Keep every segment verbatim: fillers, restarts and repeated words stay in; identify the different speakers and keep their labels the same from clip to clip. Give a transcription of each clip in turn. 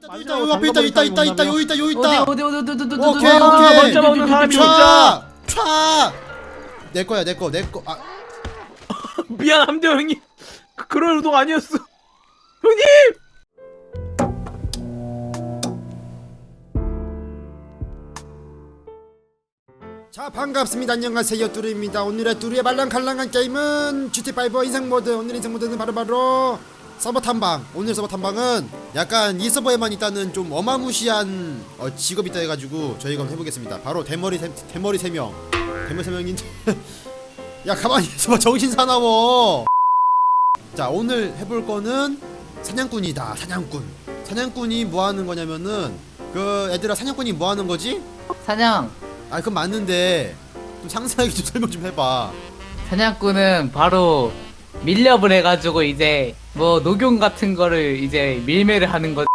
Speaker 1: 있다, 여기 앞에 있다, 있다, 있다, 있다, 여기 있다, 여기 있다.
Speaker 2: 어디 어디 어디 어디 어디
Speaker 1: 오케이,
Speaker 2: 어디
Speaker 1: 오케이.
Speaker 3: 먼저 먹는 사람이
Speaker 1: 촤! 촤! 내 거야, 내 거, 내 거. 아,
Speaker 3: 미안합니다 형님. 그, 그럴 의도가 아니었어 형님.
Speaker 1: 자, 반갑습니다. 안녕하세요, 뚜루입니다. 오늘의 뚜루의 말랑갈랑한 게임은 지티파이브 인생 모드. 오늘 인생 모드는 바로바로 서버 탐방. 오늘 서버 탐방은 약간 이 서버에만 있다는 좀 어마무시한 어, 직업이 있다 해가지고 저희가 한번 해보겠습니다. 바로 대머리 세, 대머리 세 명. 대머리 세 명인데 야, 가만히 있어봐. 정신 사나워. 자, 오늘 해볼 거는 사냥꾼이다. 사냥꾼. 사냥꾼이 뭐 하는 거냐면은, 그 애들아, 사냥꾼이 뭐 하는 거지?
Speaker 2: 사냥.
Speaker 1: 아, 그건 맞는데 좀 상세하게 좀 설명 좀 해봐.
Speaker 2: 사냥꾼은 바로 밀렵을 해가지고 이제 뭐 녹용 같은 거를 이제 밀매를 하는 거.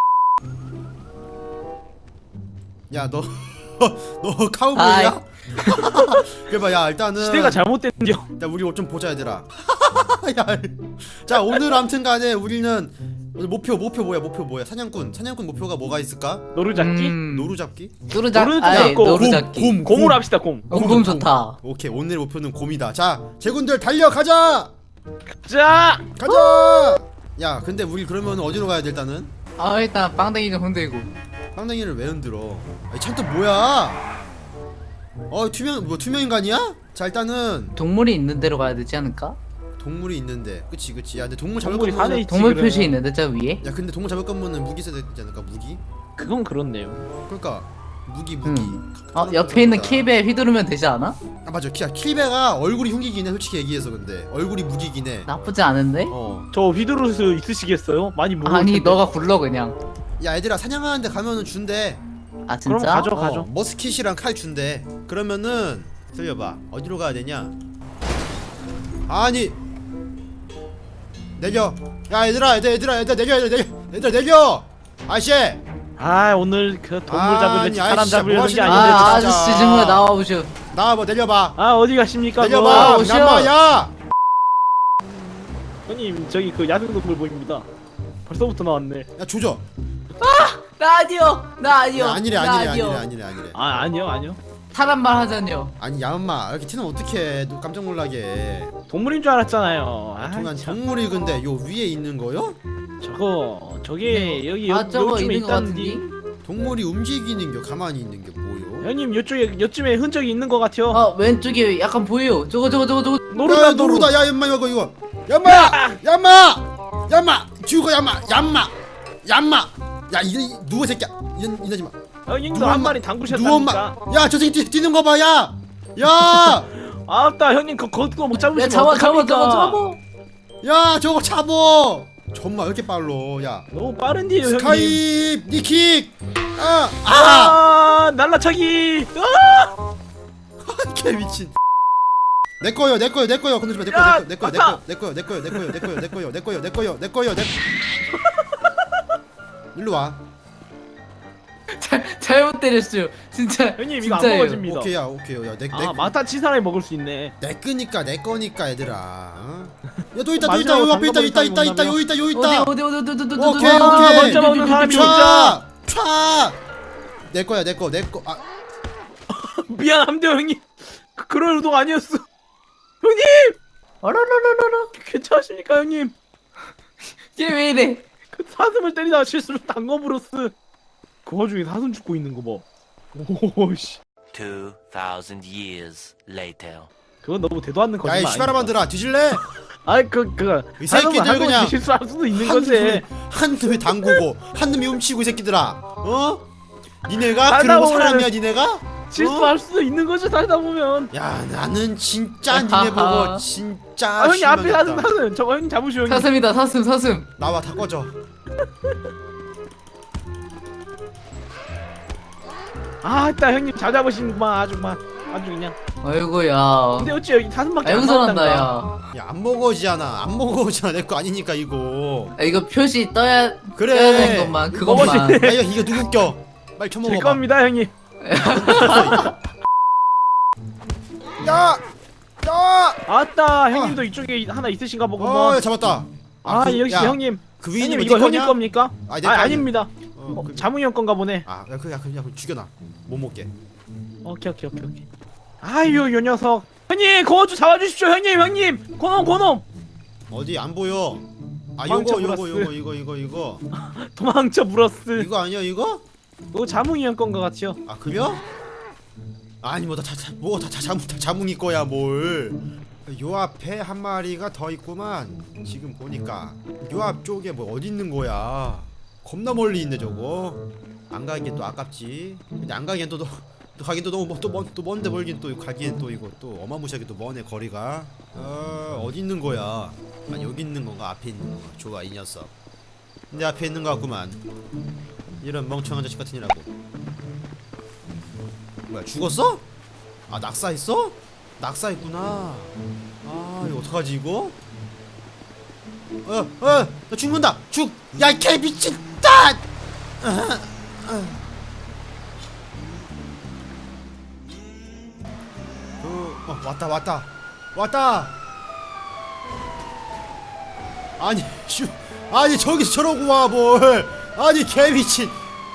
Speaker 1: 야, 너 너 카우보이야? 그래봐. 야, 일단은
Speaker 3: 시대가 잘못됐죠.
Speaker 1: 야, 우리 옷 좀 보자, 얘들아. 야, 자, 오늘 아무튼간에 우리는 오늘 목표 목표 뭐야? 목표 뭐야? 사냥꾼 사냥꾼 목표가 뭐가 있을까?
Speaker 3: 노루잡기?
Speaker 2: 음,
Speaker 1: 노루 잡기?
Speaker 2: 노루잡.
Speaker 3: 노루
Speaker 2: 아니
Speaker 3: 잡고
Speaker 2: 노루
Speaker 1: 곰,
Speaker 2: 잡기.
Speaker 1: 곰,
Speaker 3: 곰을 합시다 곰.
Speaker 2: 어, 곰 좋다.
Speaker 1: 오케이, 오늘 목표는 곰이다. 자, 제군들 달려가자.
Speaker 3: 자
Speaker 1: 가자. 야, 근데 우리 그러면 어디로 가야 돼? 일단은
Speaker 2: 아 일단 빵댕이 좀 흔들고.
Speaker 1: 빵댕이를 왜 흔들어? 아니, 찬또 뭐야? 어, 투명 뭐 투명 인간이야? 자, 일단은
Speaker 2: 동물이 있는 데로 가야 되지 않을까?
Speaker 1: 동물이 있는데, 그치 그치. 야, 근데 동물 잡을
Speaker 3: 동물이 산에
Speaker 1: 거면,
Speaker 3: 있지.
Speaker 2: 동물
Speaker 3: 그러면.
Speaker 2: 표시 있는데 저 위에?
Speaker 1: 야, 근데 동물 잡을 거면은 무기 써야 되지 않을까? 무기?
Speaker 3: 그건 그렇네요.
Speaker 1: 그러니까 무기 무기.
Speaker 2: 음. 어 옆에 있는 킬베 휘두르면 되지 않아?
Speaker 1: 아, 맞아. 키 킬베가 얼굴이 흉기긴 해. 솔직히 얘기해서. 근데 얼굴이 무기긴 해.
Speaker 2: 나쁘지 않은데?
Speaker 1: 어.
Speaker 3: 저 휘두를 수 있으시겠어요? 많이 무거울
Speaker 2: 아니
Speaker 3: 텐데.
Speaker 2: 너가 굴러 그냥.
Speaker 1: 야, 얘들아, 사냥하는데 가면은 준대.
Speaker 2: 아 진짜?
Speaker 3: 그럼 가져.
Speaker 1: 어,
Speaker 3: 가죠.
Speaker 1: 머스킷이랑 칼 준대. 그러면은 들려봐. 어디로 가야 되냐? 아니, 내겨. 야, 얘들아, 얘들아, 얘들아, 얘들아, 내겨, 얘들아, 내겨, 얘들아, 내겨. 아저씨.
Speaker 3: 아 오늘 그 동물
Speaker 1: 아니,
Speaker 3: 잡으려지 사람
Speaker 1: 아저씨, 뭐
Speaker 3: 잡으려는 게
Speaker 1: 하시는
Speaker 3: 아닌데.
Speaker 1: 거야?
Speaker 2: 아
Speaker 1: 진짜.
Speaker 2: 아저씨 정말 나와보쇼.
Speaker 1: 나와봐. 내려봐.
Speaker 3: 아 어디 가십니까?
Speaker 1: 내려봐.
Speaker 3: 뭐?
Speaker 2: 오셔.
Speaker 1: 얌마, 야.
Speaker 3: 형님 저기 그 야생동물 보입니다. 벌써부터 나왔네.
Speaker 1: 야, 조져.
Speaker 2: 나 아니요. 나 아니요.
Speaker 1: 야, 아니래,
Speaker 2: 나
Speaker 1: 아니래,
Speaker 2: 아니요.
Speaker 1: 아니래, 아니래, 아니래.
Speaker 3: 아 아니요 아니요.
Speaker 2: 사람 말 하자뇨.
Speaker 1: 아니, 야마, 이렇게 티는 어떡해. 너 깜짝 놀라게.
Speaker 3: 동물인 줄 알았잖아요. 아,
Speaker 1: 동안
Speaker 3: 참.
Speaker 1: 동물이 근데 요 위에 있는 거요?
Speaker 3: 저거 저게 여기
Speaker 2: 아
Speaker 3: 여,
Speaker 2: 저거
Speaker 3: 요쯤에
Speaker 2: 있는 거 같은데?
Speaker 3: 있다는데.
Speaker 1: 동물이 움직이는 게 가만히 있는 게 뭐요?
Speaker 3: 형님 요쪽에 요쯤에 흔적이 있는 것 같아요.
Speaker 2: 어 왼쪽에 약간 보여. 저거 저거 저거 저거.
Speaker 3: 노루다
Speaker 1: 야, 노루다. 야, 얌마, 이거 이거. 얌마! 얌마! 얌마! 죽어, 얌마! 얌마! 얌마! 야, 이 누워 새끼야. 이런 이러지 마.
Speaker 3: 형님도
Speaker 1: 누워,
Speaker 3: 한
Speaker 1: 엄마.
Speaker 3: 마리
Speaker 1: 누워,
Speaker 3: 담그셨다니까.
Speaker 1: 엄마. 야, 저 새끼 뛰, 뛰는 거 봐. 야! 야!
Speaker 3: 아따 형님 그 그거 못 잡으시면
Speaker 2: 야 잡아 잡아 잡아
Speaker 3: 어떡합니까?
Speaker 2: 잡아.
Speaker 1: 야, 저거 잡어. 정말 왜 이렇게 빨로? 야.
Speaker 3: 너무 빠른데요 형님.
Speaker 1: 스카이 니킥. 아! 아!
Speaker 3: 아 날라차기. 아!
Speaker 1: 개 미친. 내 거요, 내 거요, 내 거요. 건들지 마. 내
Speaker 3: 야,
Speaker 1: 거요, 내 거요, 내
Speaker 3: 아까.
Speaker 1: 거요, 내 거요, 내 거요, 내 거요, 내 거요, 내 거요, 내 거요, 내 거요, 내 거요, 내 거요. 일로 와.
Speaker 2: 잘 잘못 때렸어요. 진짜.
Speaker 3: 형님 이거 안
Speaker 2: 진짜예요.
Speaker 3: 먹어집니다.
Speaker 1: 오케이야, 오케이요. 야, 내 내
Speaker 3: 아 마타 치 사람이 먹을 수 있네.
Speaker 1: 내 거니까 내 거니까 얘들아. 어? 야, 또 있다, 또 있다.
Speaker 3: 마지막으로
Speaker 1: 여기 앞에 있다, 있다,
Speaker 3: 담궈버린
Speaker 1: 있다, 있다.
Speaker 3: 사람이
Speaker 1: 여기 있다, 여기
Speaker 2: 어디
Speaker 1: 있다.
Speaker 2: 어디 어디 어디 어디 어디
Speaker 1: 오케이,
Speaker 2: 어디,
Speaker 1: 오케이.
Speaker 2: 어디,
Speaker 3: 먼저
Speaker 2: 어디,
Speaker 3: 먹는
Speaker 2: 어디,
Speaker 3: 사람이
Speaker 2: 어디,
Speaker 3: 먼저.
Speaker 1: 촤! 촤! 내 거야, 내 거, 내 거. 아,
Speaker 3: 미안합니다 형님. 그, 그럴 의도가 아니었어. 형님
Speaker 2: 어라라라라라.
Speaker 3: 괜찮으십니까 형님?
Speaker 2: 얘 왜 이래?
Speaker 3: 그 사슴을 때리다가 실수로 당거브로스. 그 와중에 사슴 죽고 있는 거 봐. 오씨.
Speaker 4: Two thousand years later.
Speaker 3: 그건 너무 대도 않는
Speaker 1: 야,
Speaker 3: 거짓말.
Speaker 1: 이 시바라만들아, 뒤질래?
Speaker 3: 아이 그그
Speaker 1: 이 새끼들 그냥
Speaker 3: 실수할 수도 있는
Speaker 1: 한
Speaker 3: 거지.
Speaker 1: 놈이 한 놈이 당구고 한 놈이 훔치고 이 새끼들아. 어? 니네가
Speaker 3: 살다
Speaker 1: 그러고
Speaker 3: 보면은
Speaker 1: 사람이야, 니네가?
Speaker 3: 실수할 수도 있는 거지 살다 보면.
Speaker 1: 야, 나는 진짜 니네 보고 진짜
Speaker 3: 아 형님 앞에 사슴
Speaker 1: 실망했다.
Speaker 3: 사슴 저거 형님 잡으시오 형님.
Speaker 2: 사슴이다 사슴 사슴.
Speaker 1: 나와, 다 꺼져.
Speaker 3: 아 일단 형님 잘 잡으시는구만 아주 막 아주 그냥.
Speaker 2: 아이고야.
Speaker 3: 근데 어찌 여기 사슴밖에 안
Speaker 2: 아영선한다
Speaker 3: 나왔단가.
Speaker 2: 야.
Speaker 1: 야, 안 먹어지잖아. 안 먹어지잖아. 내 거 아니니까 이거.
Speaker 2: 아, 이거 표시 떠야
Speaker 1: 그래.
Speaker 2: 떠야 되는 것만 그것만.
Speaker 3: 먹어지.
Speaker 1: 야, 이거 이거 누구 껴? 빨리
Speaker 3: 제
Speaker 1: 쳐먹어봐.
Speaker 3: 겁니다 형님.
Speaker 1: 야! 야!
Speaker 3: 아따 형님도 이쪽에 하나 있으신가
Speaker 1: 어,
Speaker 3: 보구먼.
Speaker 1: 야, 잡았다.
Speaker 3: 아
Speaker 1: 그,
Speaker 3: 역시
Speaker 1: 야,
Speaker 3: 형님.
Speaker 1: 그 위에
Speaker 3: 형님
Speaker 1: 있는
Speaker 3: 이거
Speaker 1: 거
Speaker 3: 형님
Speaker 1: 거냐?
Speaker 3: 겁니까?
Speaker 1: 아니,
Speaker 3: 아
Speaker 1: 내 거 아니야.
Speaker 3: 아닙니다.
Speaker 1: 어,
Speaker 3: 어,
Speaker 1: 그,
Speaker 3: 자몽이 형 건가 보네.
Speaker 1: 아, 야, 그, 야, 그냥 죽여놔. 못 먹게.
Speaker 3: 오케이 오케이 오케이 오케이. 아유 요 녀석. 형님 그거 좀 잡아주십시오 형님 형님. 고놈 고놈.
Speaker 1: 어디 안 보여? 아,
Speaker 3: 망쳐
Speaker 1: 요거, 요거,
Speaker 3: 브라스.
Speaker 1: 요거, 이거, 이거, 이거.
Speaker 3: 도망쳐 브러스.
Speaker 1: 이거 아니야, 이거?
Speaker 3: 이거 자몽이 형 건가 같죠?
Speaker 1: 아, 그래요? 아니 뭐 다 자, 뭐다 자몽 다 자몽이 거야 뭘? 요 앞에 한 마리가 더 있구만. 지금 보니까 요 앞쪽에 뭐 어디 있는 거야? 겁나 멀리 있네 저거. 안 가기엔 또 아깝지. 근데 안 가기엔 또, 또, 또 가긴 또 너무 뭐, 또, 먼, 또 먼데 멀긴 또 가기엔 또 이거 또 어마무시하게 또 머네 거리가. 어 어디 있는 거야? 아 여기 있는 건가 앞에 있는 건가? 좋아 이 녀석. 내 앞에 있는 거 같구만. 이런 멍청한 자식 같으니라고. 뭐야 죽었어? 아 낙사했어? 낙사했구나. 아 이거 어떡하지 이거? 어어나 죽는다 죽! 야 이 개 미친다! 어, 어. 그, 어 왔다 왔다 왔다. 아니 슈 아니 저기서 저러고 와 뭘. 아니 개 미친.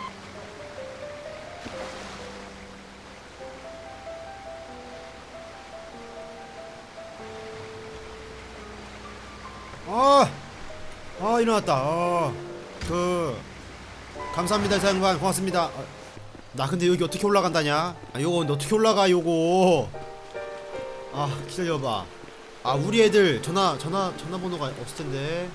Speaker 1: 아, 아 일어났다. 아, 그 감사합니다 사장관 고맙습니다. 아, 나 근데 여기 어떻게 올라간다냐? 아 요거 근데 어떻게 올라가 요거? 아 기다려봐. 아 우리 애들 전화 전화 전화번호가 없을 텐데.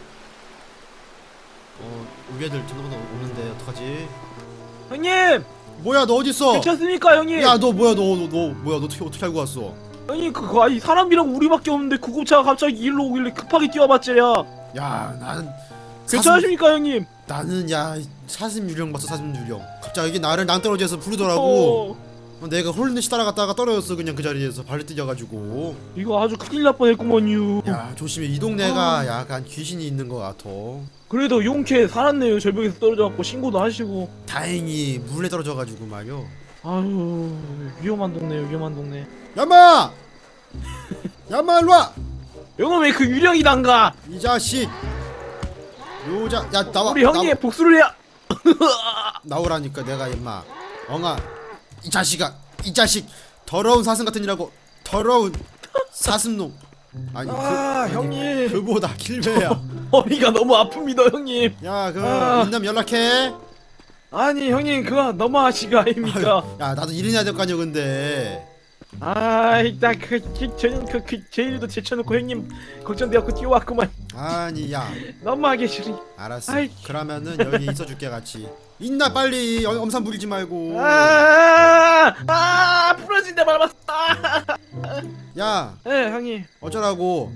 Speaker 1: 어 우리 애들 전화번호 없는데 어떡하지?
Speaker 3: 형님
Speaker 1: 뭐야 너 어디 있어?
Speaker 3: 괜찮습니까 형님?
Speaker 1: 야 너 뭐야 너 너 너 뭐야 너 어떻게 어떻게 알고 왔어?
Speaker 3: 형님 그거 아니 사람이랑 우리밖에 없는데 구급차가 갑자기 일로 오길래 급하게 뛰어봤지야.
Speaker 1: 야 나는
Speaker 3: 괜찮으십니까 형님?
Speaker 1: 나는 야 사슴 유령 봤어 사슴 유령. 갑자기 나를 낭떠러지에서 부르더라고.
Speaker 3: 어,
Speaker 1: 어, 내가 홀리듯이 따라갔다가 떨어졌어 그냥 그 자리에서 발을 뛰어가지고.
Speaker 3: 이거 아주 큰일 날 뻔했구먼요.
Speaker 1: 야 조심해 이 동네가
Speaker 3: 아.
Speaker 1: 약간 귀신이 있는 것 같아.
Speaker 3: 그래도 용케 살았네요. 절벽에서 떨어져갖고 신고도 하시고.
Speaker 1: 다행히 물에 떨어져가지고 말이요.
Speaker 3: 아유 위험한 동네요 위험한 동네.
Speaker 1: 야마! 야마 일로와!
Speaker 3: 영어 왜 그 유령이단가?
Speaker 1: 이 자식 요자 야 나와
Speaker 3: 우리 형님 복수를 해야.
Speaker 1: 나, 나오라니까 내가 임마 엉아 이 자식아 이 자식 더러운 사슴 같으니라고. 더러운 사슴놈. 아니 그,
Speaker 3: 아
Speaker 1: 아니,
Speaker 3: 형님
Speaker 1: 그보다 길배야.
Speaker 3: 허리가 너무 아픕니다 형님.
Speaker 1: 야그
Speaker 3: 아.
Speaker 1: 인남 연락해.
Speaker 3: 아니 형님 그거 너무하시가 아닙니까?
Speaker 1: 아유, 야 나도 일은 해야 될 거 아니야 근데.
Speaker 3: 아이 나그 저는 그, 그 제일도 제쳐놓고 형님 걱정되었고 뛰어왔구만.
Speaker 1: 아니 야
Speaker 3: 너무하게 싫으니.
Speaker 1: 알았어.
Speaker 3: 아이.
Speaker 1: 그러면은 여기 있어줄게 같이. 있나 빨리 엄- 엄산 부리지 말고.
Speaker 3: 아, 아 부러진다 밟았다.
Speaker 1: 야
Speaker 3: 네 형님.
Speaker 1: 어쩌라고.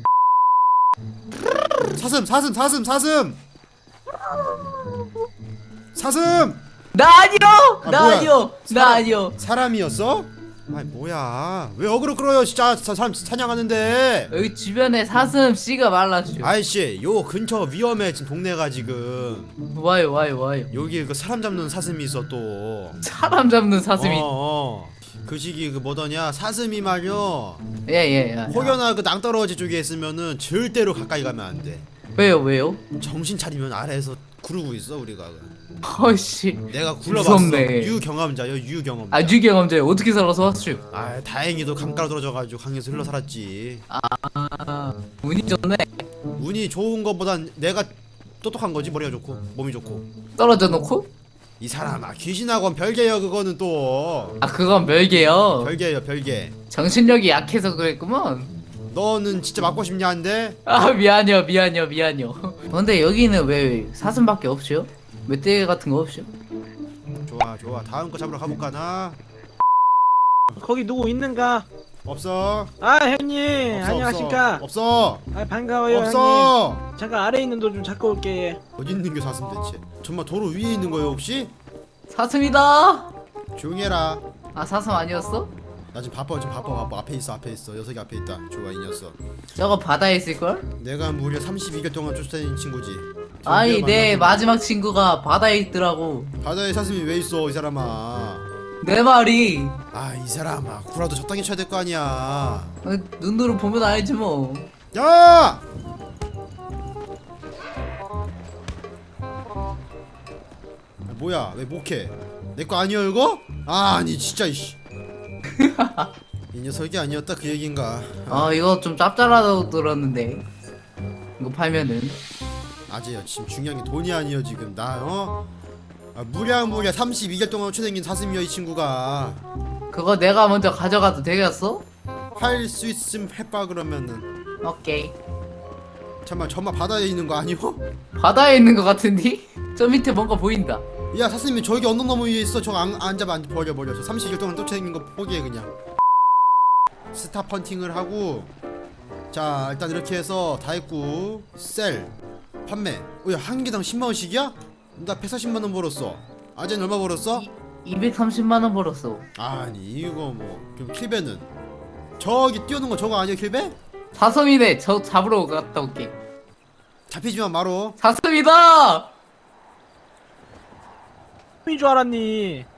Speaker 1: 사슴 사슴 사슴 사슴 사슴.
Speaker 2: 나 아니요!
Speaker 1: 아,
Speaker 2: 나
Speaker 1: 뭐야?
Speaker 2: 아니요! 나
Speaker 1: 사람-
Speaker 2: 아니요!
Speaker 1: 사람이었어? 아이 뭐야 왜 어그로 끌어요 진짜 사, 사람 사냥하는데.
Speaker 2: 여기 주변에 사슴 씨가 말라줘.
Speaker 1: 아이씨 요 근처 위험해 지금 동네가 지금.
Speaker 2: 와요 와요 와요.
Speaker 1: 여기 그 사람 잡는 사슴이 있어 또.
Speaker 2: 사람 잡는 사슴이.
Speaker 1: 어, 어. 그 시기 그 뭐더냐 사슴이 말이요
Speaker 2: 예예. 예, 예.
Speaker 1: 혹여나 그 낭떠러지 쪽에 있으면은 절대로 가까이 가면 안 돼.
Speaker 2: 왜요 왜요?
Speaker 1: 정신 차리면 아래에서 구르고 있어 우리가.
Speaker 2: 허씨.
Speaker 1: 내가 굴러봤어.
Speaker 2: 무섭네.
Speaker 1: 유경험자요 유경험자.
Speaker 2: 아 유경험자요. 어떻게 살아서 왔죠?
Speaker 1: 아 다행히도 강가로 떨어져가지고 강에서 흘러 살았지.
Speaker 2: 아 운이 좋네.
Speaker 1: 운이 좋은 것보단 내가 똑똑한 거지. 머리가 좋고 몸이 좋고.
Speaker 2: 떨어져 놓고?
Speaker 1: 이 사람아 귀신하고는 별개요 그거는 또.
Speaker 2: 아 그건 별개요.
Speaker 1: 별개요 별개.
Speaker 2: 정신력이 약해서 그랬구먼.
Speaker 1: 너는 진짜 맞고 싶냐 한데.
Speaker 2: 아 미안해요 미안해요 미안해요. 근데 여기는 왜 사슴밖에 없죠? 멧돼지 같은 거 없죠?
Speaker 1: 좋아 좋아 다음 거 잡으러 가볼까 나.
Speaker 3: 거기 누구 있는가?
Speaker 1: 없어.
Speaker 3: 아 형님
Speaker 1: 없어,
Speaker 3: 안녕하십니까?
Speaker 1: 없어.
Speaker 3: 아 반가워요
Speaker 1: 없어.
Speaker 3: 형님. 잠깐 아래 있는 도 좀 잡고 올게.
Speaker 1: 어디 있는 게 사슴 대체? 정말 도로 위에 있는 거예요 혹시?
Speaker 2: 사슴이다.
Speaker 1: 조용히 해라.
Speaker 2: 아 사슴 아니었어?
Speaker 1: 나 지금 바빠 지금 바빠 바빠. 앞에 있어 앞에 있어. 녀석이 앞에 있다. 좋아 이 녀석.
Speaker 2: 저거 바다에 있을걸?
Speaker 1: 내가 무려 삼십이 개월 동안 쫓아다닌 친구지.
Speaker 2: 아니
Speaker 1: 드디어
Speaker 2: 내
Speaker 1: 만났구나.
Speaker 2: 마지막 친구가 바다에 있더라고.
Speaker 1: 바다에 사슴이 왜 있어 이 사람아.
Speaker 2: 내 말이.
Speaker 1: 아 이 사람아 구라도 적당히 쳐야 될 거 아니야.
Speaker 2: 어, 눈으로 보면 알지 뭐.
Speaker 1: 뭐야 왜 목해? 내 거 아니야 이거? 아 아니 진짜 이씨. 이 녀석이 아니었다 그 얘긴가?
Speaker 2: 어 이거 좀 짭짤하다고 들었는데 이거 팔면은
Speaker 1: 아재야 지금 중요한 게 돈이 아니여 지금 나 어? 아, 무량무량 삼십이 개월 동안 최생긴 사슴이여 이 친구가.
Speaker 2: 그거 내가 먼저 가져가도 되겠어?
Speaker 1: 할 수 있음 해봐 그러면은.
Speaker 2: 오케이.
Speaker 1: 잠깐만 저만 바다에 있는 거 아니오?
Speaker 2: 바다에 있는 것 같은데? 저 밑에 뭔가 보인다.
Speaker 1: 야 사슴이 저기 언덕 너머 위에 있어. 저거 안, 안 잡아 안 버려 버려. 저 삼십 개월 동안 또 최생긴 거 포기해 그냥. 스타 펀팅을 하고 자 일단 이렇게 해서 다 했고 셀 판매. 어, 야 한 개당 십만 원씩이야? 나 백사십만 원 벌었어. 아재는 얼마 벌었어?
Speaker 2: 이백삼십만 원 벌었어.
Speaker 1: 아니 이거 뭐 그럼 킬베는 저기 뛰어오는 거 저거 아니야 킬베?
Speaker 2: 사슴이네. 저 잡으러 갔다 올게.
Speaker 1: 잡히지만 마로.
Speaker 2: 사슴이다!
Speaker 3: 줄 알았니?